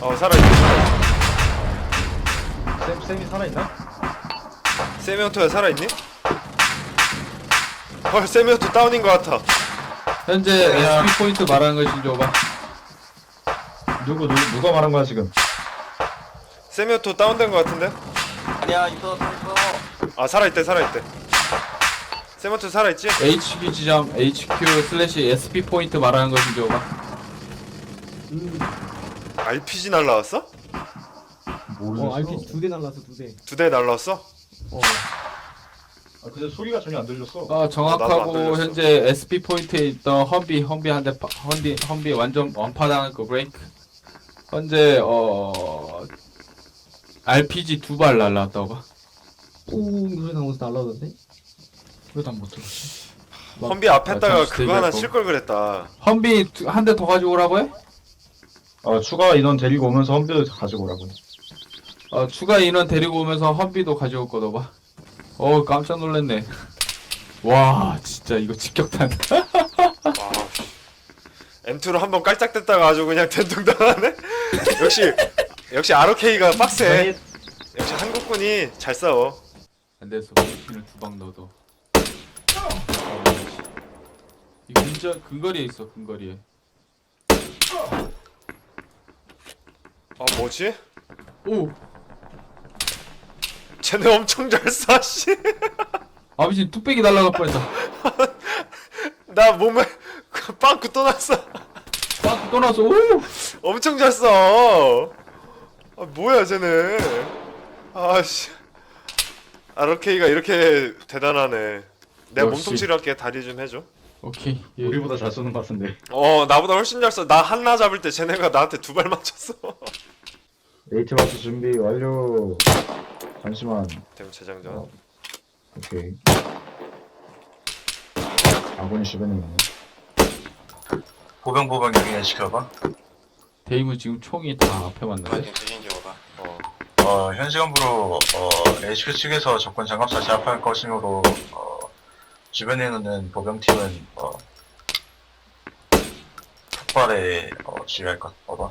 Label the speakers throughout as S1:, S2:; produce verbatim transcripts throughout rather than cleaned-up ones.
S1: 어 살아있네 살아있네.
S2: 쌤, 쌤이 살아있나?
S1: 세미오토야 살아있니? 헐 세미오토 다운인 것 같아.
S3: 현재 에스피 포인트 말하는 것좀 줘봐.
S2: 누구, 누, 누가 말한 거야, 지금?
S1: 세미오토 다운된 것 같은데?
S4: 아니야 있어 있어.
S1: 아 살아있대 살아있대. 세미오토 살아있지?
S3: 에이치큐 지점 에이치큐 슬래시 에스피 포인트 말하는 것좀 줘봐.
S1: 알피지 날라왔어?
S2: 모르겠어.
S5: 어, 알피지 두 대 날라서 두 대.
S1: 두 대 날라왔어?
S5: 어.
S2: 아, 근데 소리가 전혀 안 들렸어.
S3: 어
S1: 나도 안
S3: 정확하고
S1: 들렸어.
S3: 현재 에스피 포인트에 있던 험비 험비 한대 험비 험비 완전 원파당한 거 브레이크. 현재 어 알피지 두 발 날라왔다고 봐.
S5: 뿡 소리 나면서 날라오던데?
S3: 왜 난 못 들었지?
S1: 험비 앞에다가
S3: 잠시
S1: 그거 하나
S3: 대기할
S1: 칠 걸 그랬다.
S3: 험비 한 대 더 가지고 오라고 해?
S2: 어, 추가 인원 데리고 오면서 험비도 가지고 오라고.
S3: 어 추가 인원 데리고 오면서 험비도 가져올 거다 봐. 어 깜짝 놀랐네. 와 진짜 이거 직격탄.
S1: 와, 씨. 엠투로 한번 깔짝댔다가 아주 그냥 된통당하네? 역시 역시 아르케이가 빡세. 역시 한국군이 잘 싸워.
S3: 안 돼서 머리핀을 두 방 넣어도. 이 근처 근거리에 있어 근거리에.
S1: 아 뭐지?
S3: 오
S1: 쟤네 엄청 잘 쏴, 씨.
S3: 아버지 뚝배기 날라갈 뻔했다.
S1: 나 몸에 빵꾸 또 났어.
S3: 빡 떠나서 오
S1: 엄청 잘 쏴. 아 뭐야 쟤네. 아씨. 아르케이가 이렇게 대단하네. 내가
S3: 역시.
S1: 몸통치료 할게. 다리 좀 해줘.
S3: 오케이. 예.
S2: 우리보다 잘 쏘는 것 같은데.
S1: 어 나보다 훨씬 잘 쏴. 나 한나 잡을 때 쟤네가 나한테 두 발 맞췄어.
S2: 에이티 마스 준비 완료. 잠시만.
S1: 대문 재장전.
S2: 어. 오케이. 아군이 주변에 있네.
S4: 보병 보병 여기 시켜봐.
S3: 데이문 지금 총이 다 앞에 맞는데.
S4: 파이팅 수신 지어봐.
S1: 어.
S4: 어, 현 시간부로 어, 에이치큐 측에서 적군 장갑차 제압할 것이므로 어, 주변에 있는 보병팀은 어, 폭발에 어, 주의할 것. 어봐.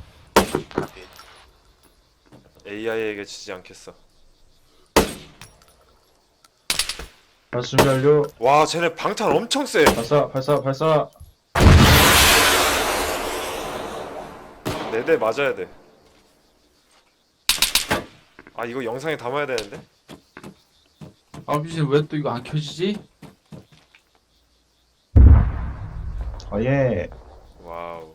S1: 에이아이에게 지지 않겠어.
S2: 발사 준비 완료.
S1: 와 쟤네 방탄 엄청 세.
S2: 발사, 발사, 발사.
S1: 네 대 맞아야 돼. 아 이거 영상에 담아야 되는데.
S3: 아버지 왜 또 이거 안 켜지지?
S2: 아, 예.
S1: 와우.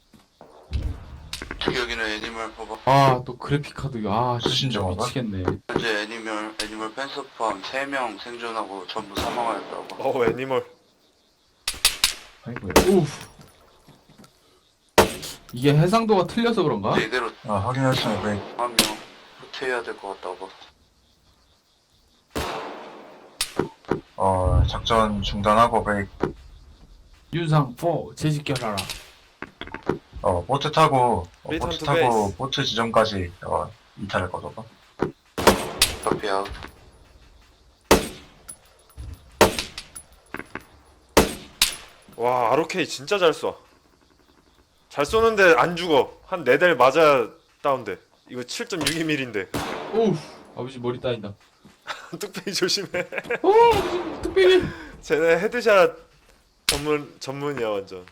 S6: 여기는 애니멀 포버.
S3: 아 또 그래픽 카드 아
S4: 수신
S3: 진짜
S4: 정화가?
S3: 미치겠네.
S6: 현재 애니멀 애니멀 펜스 포함 세 명 생존하고 전부 사망하였다고.
S1: 어 애니멀.
S2: 아이고야.
S3: 우프. 이게 해상도가 틀려서 그런가?
S6: 네, 이대로
S4: 어, 확인하시면 브레이크.
S6: 한 명 후퇴해야 될 것 같다고.
S4: 어, 작전 중단하고 브레이크.
S3: 윤상 포 재집결하라.
S4: 어, 보트 타고 어,
S1: Return
S4: 보트
S1: to
S4: 타고
S1: base.
S4: 보트 지점까지 어, 이탈을 거둬봐.
S6: 커피 아웃.
S1: 와 아르케이 진짜 잘 쏴. 잘 쏘는데 안 죽어. 한 네 대 맞아 다운돼. 이거 칠 점 육이 밀리미터인데.
S3: 우프. 아버지 머리 따인다.
S1: 뚝배기 조심해.
S3: 오 아버지 뚝배기.
S1: 쟤네 헤드샷 전문 전문이야 완전.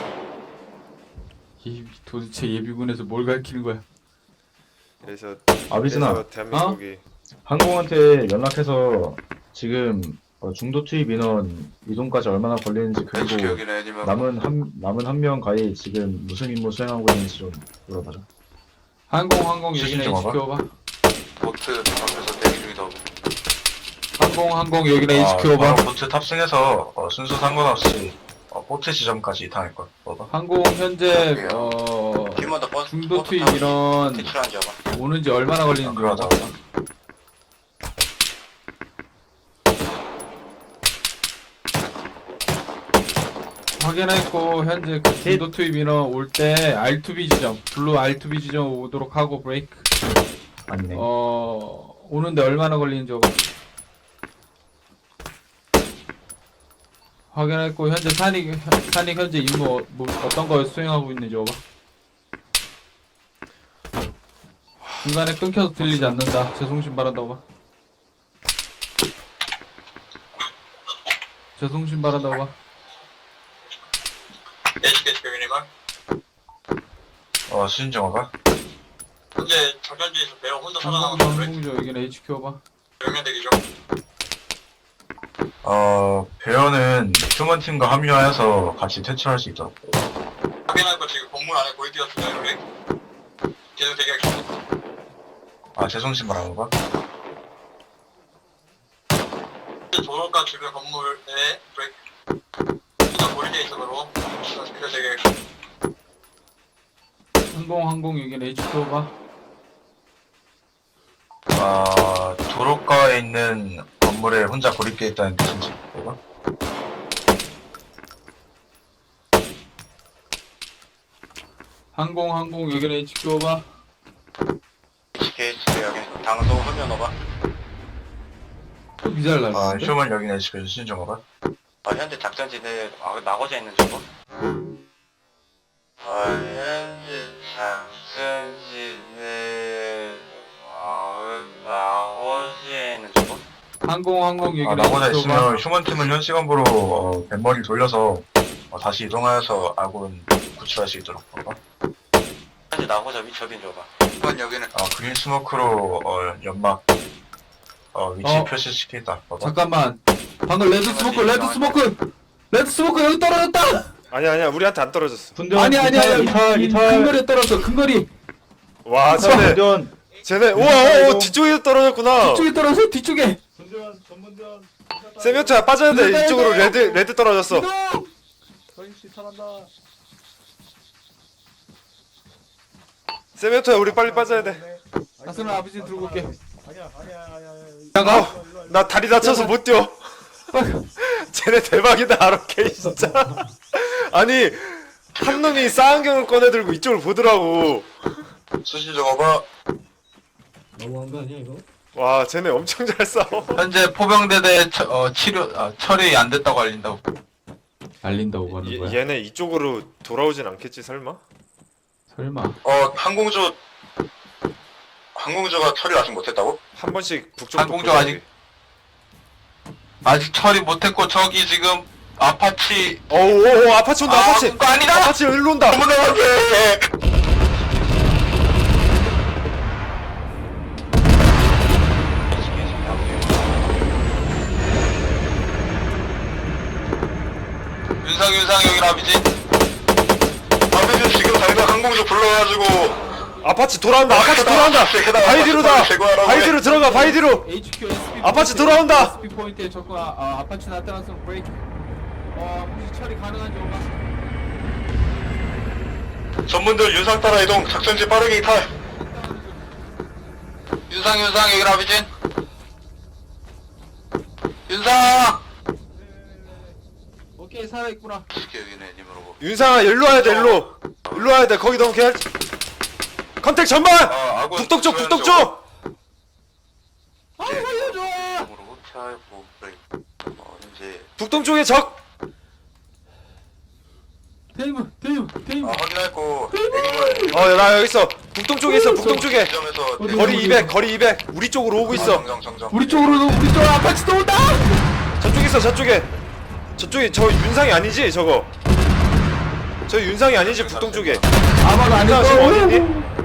S3: 예비 도대체 예비군에서 뭘 가르치는 거야?
S1: 그래서
S2: 아비스나,
S1: 그래서 대한민국이
S2: 항공한테 연락해서 지금 어, 중도 투입 인원 이동까지 얼마나 걸리는지
S6: 펜스
S2: 그리고
S6: 여기는 애니멀
S2: 남은 한 남은 한 명 가히 지금 무슨 임무 수행하고 있는지 좀 물어봐라.
S3: 항공 항공
S4: 수신
S3: 여기는
S4: 좀 와봐.
S3: 에이치큐 오바.
S6: 보트 앞에서 대기 중이다고.
S3: 항공 항공 여기는 에이치큐
S4: 어,
S3: 오바.
S4: 바로 보트 탑승해서 어, 순서 상관없이 어, 보트 지점까지 이탈할 것. 어봐.
S3: 항공 현재 어
S6: 팀마다 버스
S3: 중도
S6: 버스
S3: 투입
S6: 타고
S3: 인원
S6: 퇴출한 잡아.
S3: 오는지 얼마나
S4: 어,
S3: 걸리는지
S4: 그러자.
S3: 물어봐. 확인했고 현재 그 중도 투입 인원 올 때 알투비 지점 블루 알투비 지점 오도록 하고 브레이크.
S2: 아니네.
S3: 어 오는데 얼마나 걸리는지 봐. 확인했고 현재 산익 산익 현재 임무 어- 뭐 어떤 거 수행하고 있는지 봐. 중간에 끊겨서 들리지 않는다. 제송신 바란다고 봐. 제송신 바란다고 봐.
S4: 에이치케이치 병인이만. 어, 수신 정화가? 현재 작전지에서 배우 혼자
S3: 항공 항공조 여기는 에이치큐 봐.
S4: 명령 대기죠. 어, 배어는 휴먼팀과 합류하여서 같이 퇴출할 수 있도록. 확인할 거 지금 건물 안에 거의 뛰었습니다, 여기. 계속 대기하겠습니다. 아, 재송신 말하는 거? 도로가 주변 건물에 브레이크. 일단 고리돼 있어서 계속 대기하겠습니다.
S3: 항공 항공 여기는 에이치큐 봐.
S4: 아, 도로가에 있는 건물에 혼자 고립되어 있다는 뜻인지, 뭐가?
S3: 항공 항공 여기는 에이치큐 봐.
S6: 에이치케이치 여기 당소 화면 오바.
S3: 또 미사일
S4: 아,
S3: 날리는데?
S4: 휴먼 여기는 에이치케이치 신정어가?
S6: 어, 현재 작전지대 아, 나고자 있는 저거. 어, 현재 작전지대 아, 나고자 있는 저거.
S3: 항공 항공
S4: 아,
S3: 여기는
S4: 나고자
S3: 에이치큐 봐.
S4: 있으면 휴먼팀은 현 시간부로 어, 뱃머리 돌려서 어, 다시 이동하여서 아군 구출할 수 있도록 봐봐.
S6: 현재 나고자 위치업인 저거. 이번 여기는
S4: 아, 그린 스모크로 어, 연막 어, 위치
S3: 어.
S4: 표시시키겠다. 봐봐.
S3: 잠깐만. 방금 레드 스모크 레드 스모크 레드 스모크 여기 떨어졌다.
S1: 아니야 아니야 우리한테 안 떨어졌어.
S2: 분전
S3: 아니 아니 아니
S2: 이탈 이탈
S3: 근거리에 떨어졌어. 근거리
S1: 와 쟤네
S2: 분전
S1: 쟤네 우와 오, 뒤쪽에 떨어졌구나.
S3: 뒤쪽에 떨어졌어. 뒤쪽에.
S2: 분전 전문전
S1: 세미오트야 빠져야 돼.
S3: 이거
S1: 이쪽으로
S3: 이거.
S1: 레드 레드 떨어졌어.
S3: 이동.
S2: 서인씨 탈한다.
S1: 세미오트야 우리 빨리 빠져야 돼.
S3: 가슴을 아버지 들고 올게.
S2: 아니야 아니야 아니야.
S3: 잠깐.
S1: 나 다리 다쳐서 못 뛰어. 쟤네 대박이다 아로케이 진짜. 아니 한 놈이 쌍안경을 꺼내 들고 이쪽을 보더라고.
S4: 수신 정어가
S5: 너무한 거 아니야 이거?
S1: 와 쟤네 엄청 잘 싸워.
S3: 현재 포병대대 처, 어, 치료 아, 처리 안 됐다고 알린다고. 알린다고 하는 거야.
S1: 얘- 얘네 이쪽으로 돌아오진 않겠지 설마?
S3: 설마.
S4: 어, 항공주 항공주가 처리를 아직 못했다고?
S1: 한 번씩 북쪽
S3: 항공주 아직- 아직 처리 못했고 저기 지금 아파치.
S1: 어우 아파치 온다 아파치.
S3: 그거 아니다.
S1: 아파치 일로 온다.
S3: 윤상 윤상 여기 라비지.
S4: 아버지 지금 당장 항공주 불러가지고
S1: 아파치 돌아온다 아파치 돌아온다. 바이디로다. 바이디로 들어가 바이디로.
S3: 에이치큐 에스피
S1: 아파치 돌아온다!
S3: 에스피 포인트에 접근. 아, 아 아파치 나타났으면 브레이크. 어 혹시 처리 가능한지 오가.
S4: 전문들 윤상 따라 이동 작전지 빠르게 이탈.
S3: 윤상 윤상 여기 라비진. 윤상. 오케이 살아있구나.
S6: 에이치케이치 여기는 애니멀 오바.
S1: 윤상아 일로 와야 돼 일로. 일로 와야 돼 거기 너무 개할. 컨택 전방.
S4: 아, 아군
S1: 북동 쪽 북동
S4: 구출하는
S1: 쪽.
S3: 아 살려줘.
S6: 애니멀 차고 브레이크. 어, 현재
S1: 북동 쪽에 적.
S3: 테이블 테이블 테이블.
S4: 아, 확인했고 애니멀
S1: 어 나 여기 있어. 북동 쪽에 있어 북동 쪽에.
S4: 지점에서
S3: 어디,
S1: 거리 이백 거리 이백 우리 쪽으로 오고 있어.
S4: 정정 정정.
S3: 우리 쪽으로 우리 쪽 아파치도 온다.
S1: 저쪽에 있어 저쪽에. 저쪽에 저 윤상이 아니지 저거. 저 윤상이 아니지 북동 쪽에.
S3: 아마도
S1: 윤상 지금 어디
S3: 아닐
S1: 있니?
S3: 거.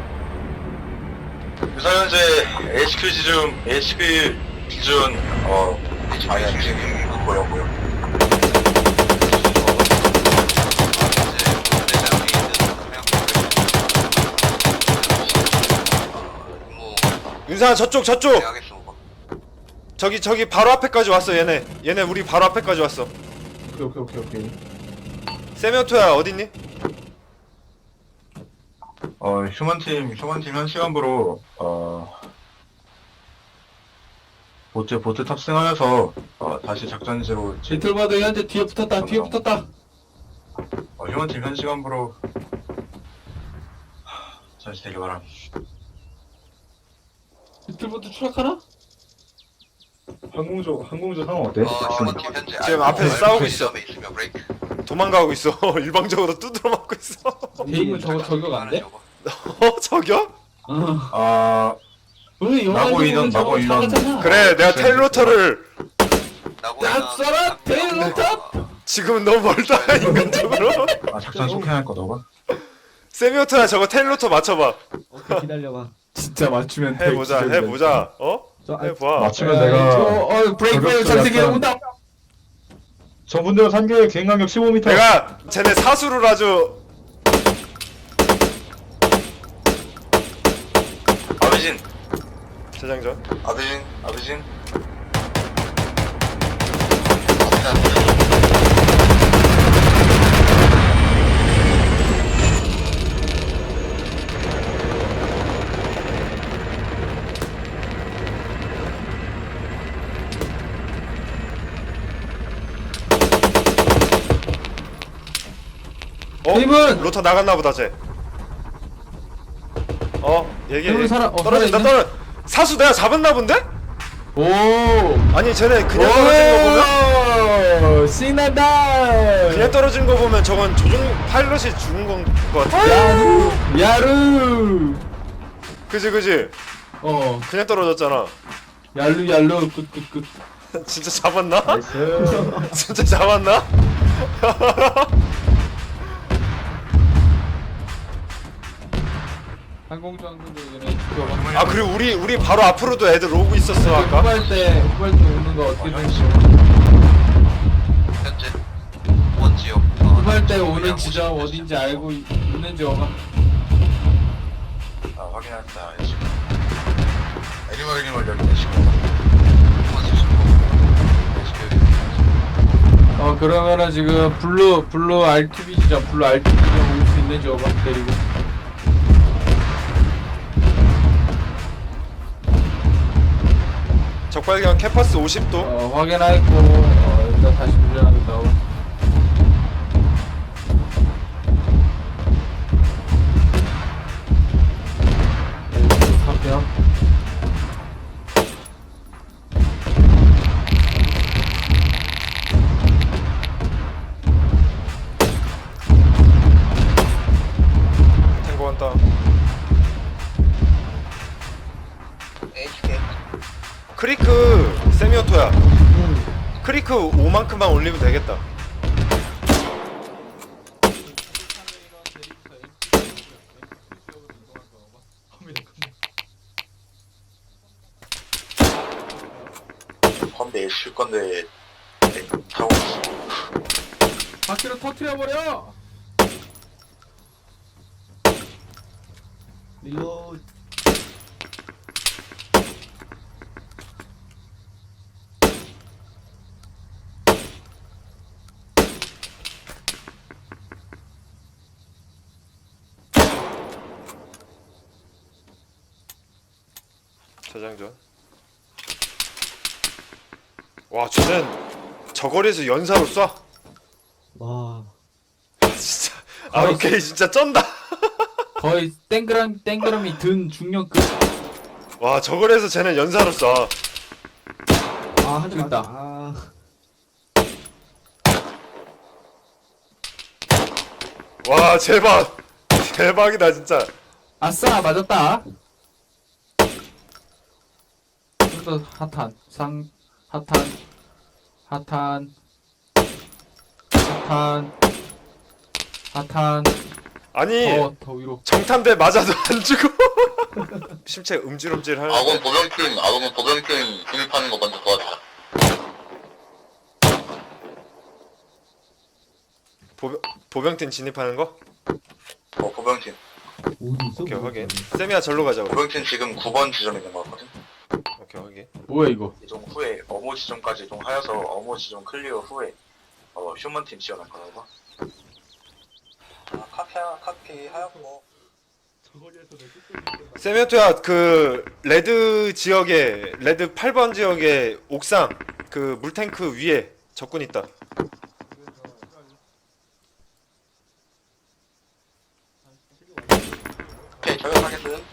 S4: 유사 현재 에이치큐 기준 에이치큐 기준 어 방향 지금 보여 보여.
S1: 윤상아 저쪽 저쪽.
S6: 대하겠어 오바.
S1: 저기 저기 바로 앞에까지 왔어 얘네. 얘네 우리 바로 앞에까지 왔어.
S3: 오케이 오케이 오케이 오케이.
S1: 세미오토야 어딨니?
S4: 어 휴먼팀 휴먼팀 현 시간부로 어 보트 보트 탑승하여서 어 다시 작전지로 지-
S3: 리틀바드 현재 뒤에 붙었다. 뒤에 붙었다.
S4: 어, 휴먼팀 현 시간부로 다시 되기 바람.
S3: 리틀바드 추락하나?
S2: 항공조 항공조 상황 어때?
S6: 어, 휴먼팀 현재
S1: 지금
S6: 알고
S1: 앞에서
S6: 알고
S1: 싸우고 있어.
S6: 지점에 있으며 브레이크.
S1: 도망가고 있어. 일방적으로 두드려 맞고 있어.
S3: 대인은 저거 저격 안 돼?
S1: 어 저겨?
S5: 아,
S4: 아
S5: 오늘 영화
S4: 나고
S5: 보는
S4: 인원,
S5: 저거
S4: 나고 인원.
S5: 사과잖아.
S1: 그래 내가 테일로터를
S3: 낯설아 테일로탑.
S1: 지금은 너무 멀다 인간적으로.
S4: 아 작전 속행할 거 너가?
S1: 세미오트나 저거 테일로터 맞춰봐.
S5: 오케이, 기다려봐.
S3: 진짜 맞추면 돼,
S1: 해보자
S3: 기절된다.
S1: 해보자. 어?
S5: 저, 아,
S1: 해봐.
S2: 맞추면
S3: 야,
S2: 내가
S3: 저, 어 브레이크 브레이크
S2: 저격수
S3: 전세계
S2: 약간-
S3: 온다.
S2: 저분들 산교의 비행간격 십오 미터.
S1: 내가 쟤네 사수를 아주
S6: 아비진,
S1: 재장전.
S6: 아비진, 아비진.
S1: 어?
S3: 팀은!
S1: 로터 나갔나 보다 쟤. 어? 얘기해.
S3: 팀은 살아- 어,
S1: 떨어진다
S3: 살아있네?
S1: 떨어. 사수 내가 잡았나 본데?
S3: 오.
S1: 아니 쟤네 그냥 떨어진 거 보면
S3: 오, 신난다.
S1: 그냥 떨어진 거 보면 저건 조종 파일럿이 죽은 건 것 같아.
S3: 야루 야루.
S1: 그지 그지.
S3: 어
S1: 그냥 떨어졌잖아.
S3: 얄루 얄루 끝끝끝.
S1: 진짜 잡았나?
S2: 나이스.
S1: 진짜 잡았나?
S3: 항공주 항공주 전에 죽여봐.
S1: 아 그리고 우리 우리 바로 앞으로도 애들 오고 있었어 아까.
S3: 후발 때 후발 때 오는 거 어떻게 되는지.
S6: 현재 후원 지역.
S3: 후발 때 오는 지점 어딘지 알고 있- 있는지 어가.
S4: 아 확인했다 지금. 애니멀 애니멀 여기 계시고.
S3: 어 그러면은 지금 블루 블루 알티비 지점 블루 알티비 지점 올 수 있는지 어가 데리고.
S1: 적발견 캐파스 오십 도.
S3: 어 확인하였고 어 일단 다시 훈련하겠다. 어가. 카피요.
S1: 탱고 한다.
S6: 에이치케이.
S1: 크리크 세미오토야. 크리크 오만큼만 올리면 되겠다.
S6: 건데 쉴 건데 네, 타고 있어.
S3: 바퀴로 터트려 버려.
S5: 릴로
S1: 저장전. 와 쟤는 저거리에서 연사로 쏴.
S5: 와,
S1: 진짜 아 오케이 진짜 쩐다.
S3: 거의 땡그랑 땡그라미 든 중력급.
S1: 와 저거리에서 쟤는 연사로 쏴.
S5: 아, 한대
S3: 됐다.
S5: 맞다. 아,
S1: 와 대박. 대박이다 진짜.
S3: 아싸 맞았다. 좀더 핫한 상 핫한 핫한 핫한 핫한
S1: 아니
S3: 더 더 위로.
S1: 정탄대 맞아도 안 죽어. 심체 음질음질 하는데.
S6: 아군 보병팀, 아군 보병팀 진입하는 거 먼저 도와주자.
S1: 보병 보병팀 진입하는 거?
S6: 어, 보병팀.
S5: 어디 있어?
S1: 오케이
S5: 뭐
S1: 확인.
S5: 있어?
S1: 세미야 절로 가자 우리.
S6: 보병팀 지금 구 번 지점에 있는 거 같거든.
S1: 오케이 확인.
S3: 뭐야 이거?
S6: 이동 후에 어모 지점까지 이동하여서 어모 지점 클리어 후에 어, 휴먼팀 지원할 거라고. 아, 카피야, 카피 하였고.
S1: 세미오토야 그 레드 지역에 레드 팔 번 지역에 옥상 그 물탱크 위에 적군 있다.
S6: 오케이, 저격하겠음.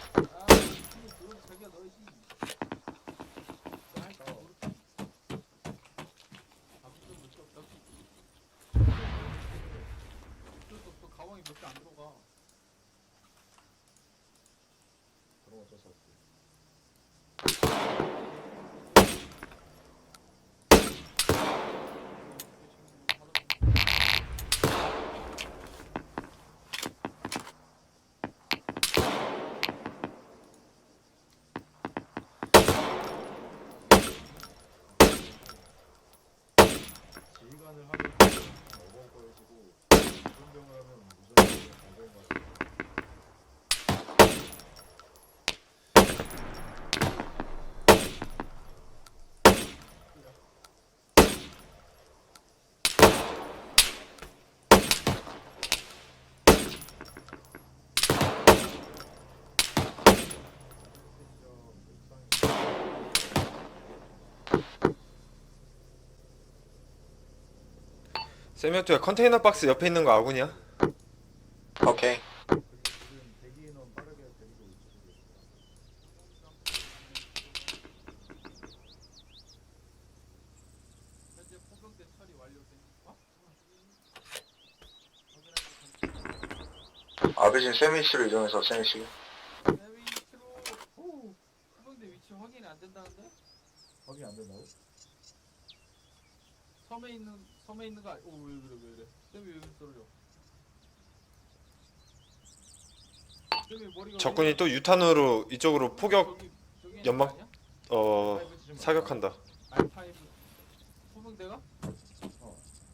S1: 세미오토야, 컨테이너 박스 옆에 있는 거 아군이야?
S6: 오케이.
S3: 현재 포병대 처리 완료된.
S4: 아베진 세미씨로 이동해서 세미씨.
S3: 세미트로. 오. 포병대 위치 확인이 안 된다는데?
S2: 확인 안 된다고?
S3: 섬에 있는 섬에 있는 거. 아니- 오, 왜 그래 왜 그래? 쌤이 왜 떨어져? 쌤이 머리가.
S1: 적군이 또 유탄으로 이쪽으로 포격
S3: 저기- 저기 있는
S1: 연막-
S3: 거 아니야?
S1: 어 사격한다.
S3: 알파이브 포병대가?
S2: 어.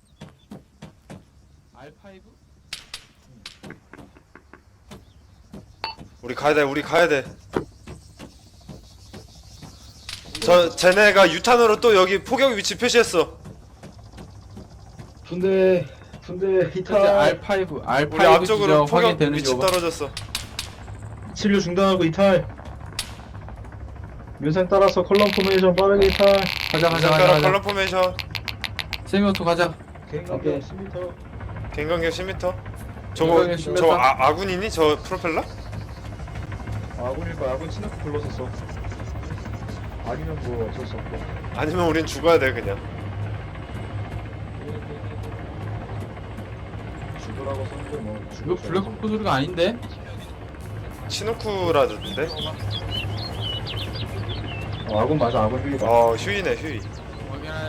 S3: 알파이브?
S1: 우리 가야 돼. 우리 가야 돼. 저 쟤네가 유탄으로 또 여기 포격 위치 표시했어.
S2: 분대 분대
S3: 현재
S2: 히탈
S3: 알파이브
S1: 우리
S3: 알파이브
S1: 앞쪽으로
S3: 지점
S1: 포격
S3: 확인되는
S1: 위치
S3: 지
S1: 떨어졌어.
S2: 치료 중단하고 이탈. 윤생 따라서 컬럼 포메이션 빠르게 이탈.
S3: 가자 가자 가자
S1: 잠깐
S3: 가자.
S1: 컬러 포메이션.
S3: 세미오토 가자.
S2: 개인
S5: 오케이.
S2: 간격 십 미터.
S1: 갱간격 십 미터. 저거
S3: 갱간격 십 미터.
S1: 저 아, 아군이니? 저 프로펠러?
S2: 아군일 거야. 아군 친구 불렀었어. 아니면 뭐 어쩔 수 없고.
S1: 아니면 우린 죽어야 돼 그냥.
S2: 죽으라고 썼는데 뭐.
S3: 이거 블랙호크 소리가 아닌데?
S1: 치누쿠라던데?
S2: 어, 아군 맞아. 아군 휴이다.
S1: 어 휴이네 휴이.
S3: 확인할.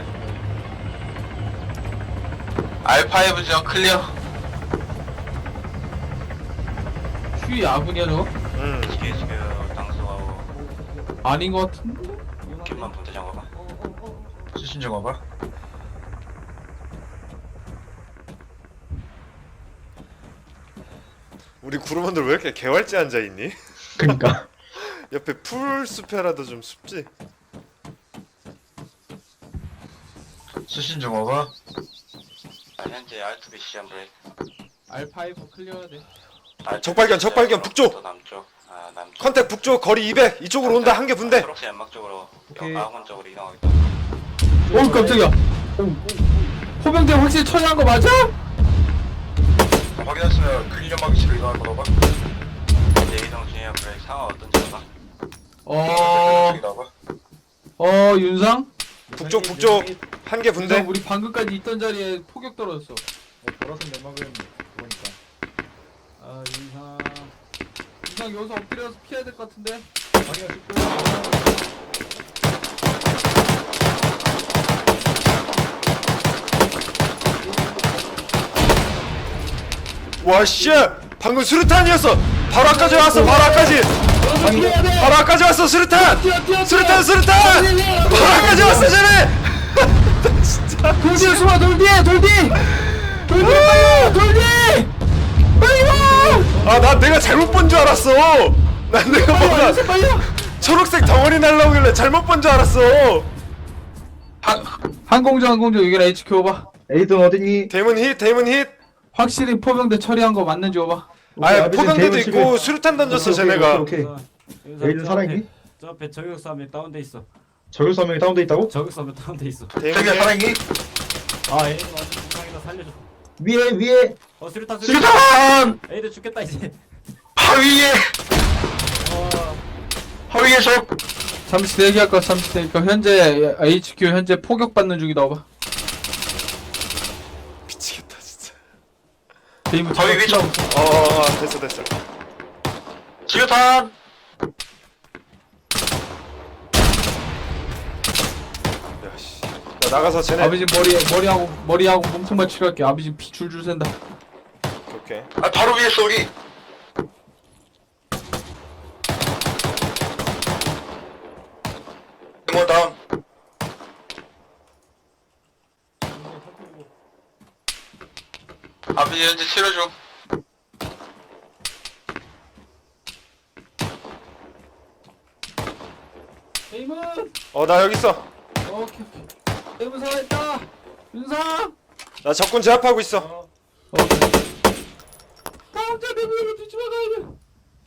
S4: 알파이브 지점 클리어.
S3: 휴이 아군이야 저거?
S1: 응.
S6: 이게 지금 당수하고
S3: 아닌 것 같은데?
S6: 김만 분대장 봐봐.
S4: 수신 좀 와봐.
S1: 우리 구르원들 왜 이렇게 개활지 앉아 있니?
S2: 그니까.
S1: 옆에 풀숲에라도 좀 숲지.
S4: 수신 좀 와봐.
S6: 아, 현재 알투비 시험 브레이크.
S3: 알파이브 클리어해야 돼.
S6: 알투비
S1: 적발견, 적발견, 북쪽!
S6: 또 남쪽. 아 남쪽.
S1: 컨택 북쪽 거리 이백 이쪽으로 온다 한 개 분대.
S6: 초록색 연막 쪽으로
S2: 오케이.
S6: 아군 쪽으로 이동하고 있다.
S3: 오 깜짝이야. 포병대 확실히 처리한 거 맞아?
S4: 확인했으면 클리어 막이치로 이동할 거라고.
S6: 현재 이동 중이야 브레이크 상황 어떤지 봐봐.
S3: 어,
S4: 저기 나와봐.
S3: 어 윤상?
S1: 북쪽 북쪽 한 개
S3: 윤상
S1: 분대.
S3: 우리 방금까지 있던 자리에 포격 떨어졌어.
S2: 보라색 연막은 그거니까.
S5: 아 윤상.
S3: 윤상 여기서 엎드려서 피해야 될 것 같은데?
S2: 방이가 찍고.
S1: 와씨 방금 수류탄이었어. 바로 아까지 왔어. 바로 아까지. 바로 아까지 왔어 수류탄. 수류탄 수류탄. 바로 아까지 왔어 쟤네.
S3: 돌 뒤에 숨어 돌 뒤에 돌 뒤! 돌 뒤에 빨리 돌 뒤! 빨리 와!
S1: 아 나 내가 잘못 본 줄 알았어. 난 내가
S3: 빨리 와
S1: 뭔가
S3: 윤상 빨리 와!
S1: 초록색 덩어리 날라오길래 잘못 본 줄 알았어.
S3: 항공정 항공정 여기라 에이치큐 오봐.
S2: 에이든 어딨니?
S1: 데몬 힛 데몬 힛.
S3: 확실히 포병대 처리한 거 맞는지 오봐.
S1: 아
S2: 아버지
S1: 포병대도
S2: 데몬
S1: 있고
S2: 집에-
S1: 수류탄 던졌어
S2: 오케이,
S1: 쟤네가.
S2: 오케이, 오케이. 에이든 살아있니?
S5: 저 앞에 저격수 한 명 다운돼 있어.
S2: 저격수 한 명이 다운돼 있다고?
S5: 저격수 한 명 다운돼 있어.
S1: 데몬
S4: 저기
S1: 힛.
S4: 사랑이.
S5: 아 에이드 완전 부상이다 살려줘.
S2: 위에 위에.
S5: 어 수류탄 수류탄.
S4: 수류탄!
S5: 에이드 죽겠다 이제.
S4: 하위에!
S5: 어.
S4: 하위에 적!
S3: 잠시 대기할 거 잠시 대기할 거 현재 에이치큐 현재 포격 받는 중이다 오봐.
S1: 미치겠다 진짜.
S3: 데이브
S4: 하위 위쪽!
S1: 어, 어, 어 됐어 됐어.
S4: 수류탄!
S1: 나가서 쟤네.
S3: 아버지 머리 머리하고 머리하고 몸통만 치료할게. 아버지 피 줄줄 샌다.
S1: 오케이.
S4: 아 바로 위에 쏘기. 뭐 다음. 아버지 현재 치료 중.
S3: 에이문.
S1: 어 나 여기 있어.
S3: 오케이 오케이. 에이문 살아있다. 윤상.
S1: 나 적군 제압하고 있어.
S3: 오케이. 다음 자 내부로 뒤집어가야 돼.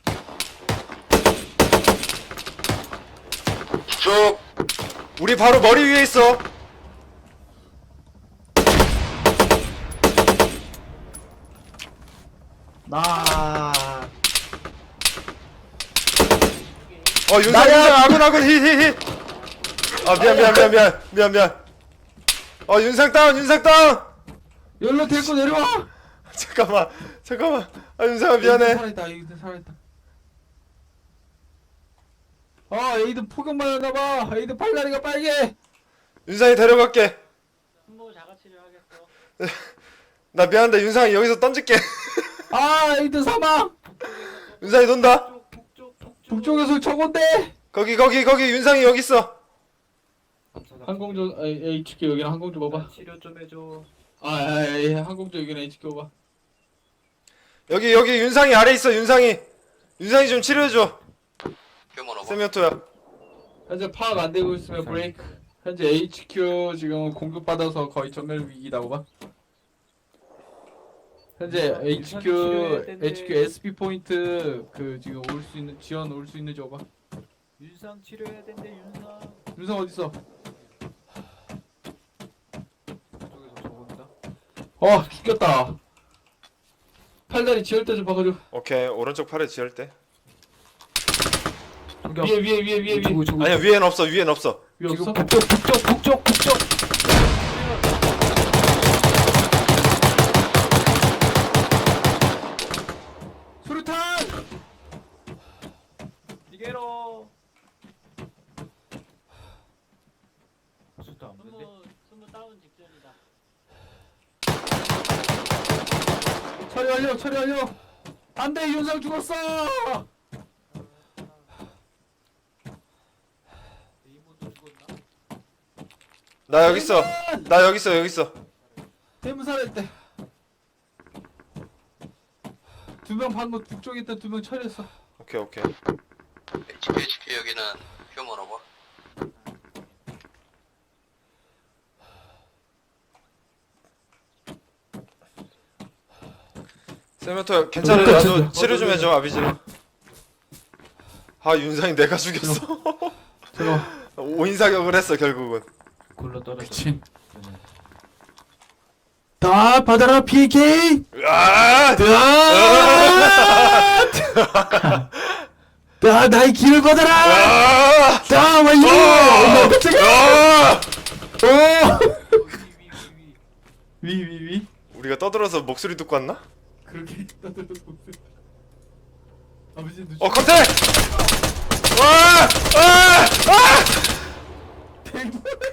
S4: 쭉.
S1: 우리 바로 머리 위에 있어.
S5: 나.
S1: 어 윤상 윤상 아군 아군 힐힐힐. 아 미안 미안 미안 미안 미안 미안. 어 윤상 다운 윤상 다운.
S3: 열로 데리고 내려와.
S1: 잠깐만 잠깐만. 아 윤상아 미안해.
S3: 살아있다. 에이든 살아있다. 아 에이든 폭격 맞았나봐. 에이든 팔다리가 빨개.
S1: 윤상이 데려갈게.
S5: 한번 자가 치료하겠어.
S1: 나 미안한데 윤상이 여기서 던질게.
S3: 아 에이든 사망.
S1: 윤상이 돈다.
S5: 북쪽 북쪽.
S3: 북쪽에서 저건데.
S1: 거기 거기 거기 윤상이 여기 있어.
S3: 항공조 아, 에이치큐 여기는 항공조 봐봐.
S5: 치료 좀 해줘.
S3: 아, 아, 아, 예, 항공조 여기는 에이치큐 봐봐.
S1: 여기 여기 윤상이 아래 있어 윤상이. 윤상이 좀 치료해줘.
S6: 휴먼
S1: 세미오토야.
S3: 현재 파악 안 되고 있으면 브레이크. 현재 에이치큐 지금 공격받아서 거의 전멸 위기다 봐봐. 현재 에이치큐
S5: 치료해야 된대.
S3: 에이치큐 에스피 포인트 그 지금 올 수 있는 지원 올 수 있는지 봐봐.
S5: 윤상 치료해야 된대 윤상.
S3: 윤성 어디 있어?
S5: 저쪽에서 저건다.
S3: 어 죽겠다. 팔다리 지을 때 좀 봐가지고.
S1: 오케이 오른쪽 팔에 지을 때.
S5: 저기
S3: 위에 위에 위에 위에 위에
S5: 저기 저기.
S1: 아니야 위엔 없어 위엔 없어.
S3: 위에 없어?
S5: 지금 북쪽 북쪽 북쪽 북쪽.
S3: 수류탄!
S5: 이게로. 수도 안 보는데.
S7: 스무 다운 직전이다.
S3: 처리 완료 처리 완료. 안돼 윤성 죽었어.
S5: 이모도 죽었나?
S1: 나 여기 있어. 나 여기 있어 여기 있어.
S3: 대무살했대. 두 명 방금 북쪽에 있던 두 명 처리했어.
S1: 오케이 오케이.
S6: 에이치큐 에이치큐 여기는 휴먼 오버.
S1: 세미오토 괜찮아. 나도 치료 좀 해줘 아비지. 아 윤상이 내가 죽였어.
S3: 잠깐.
S1: 오인 사격을 했어 결국은.
S5: 굴러 떨어져.
S3: 그치. 다 받아라 피케이.
S1: 아!
S3: 다 나의 길을 받아라.
S1: 아!
S3: 다 완료.
S1: 아!
S3: 위위위.
S1: 우리가 떠들어서 목소리 듣고 왔나?
S3: 그렇게 떠들었어. 아버지 눈.
S1: 어 컨택! 아! 아! 아!
S3: 대문.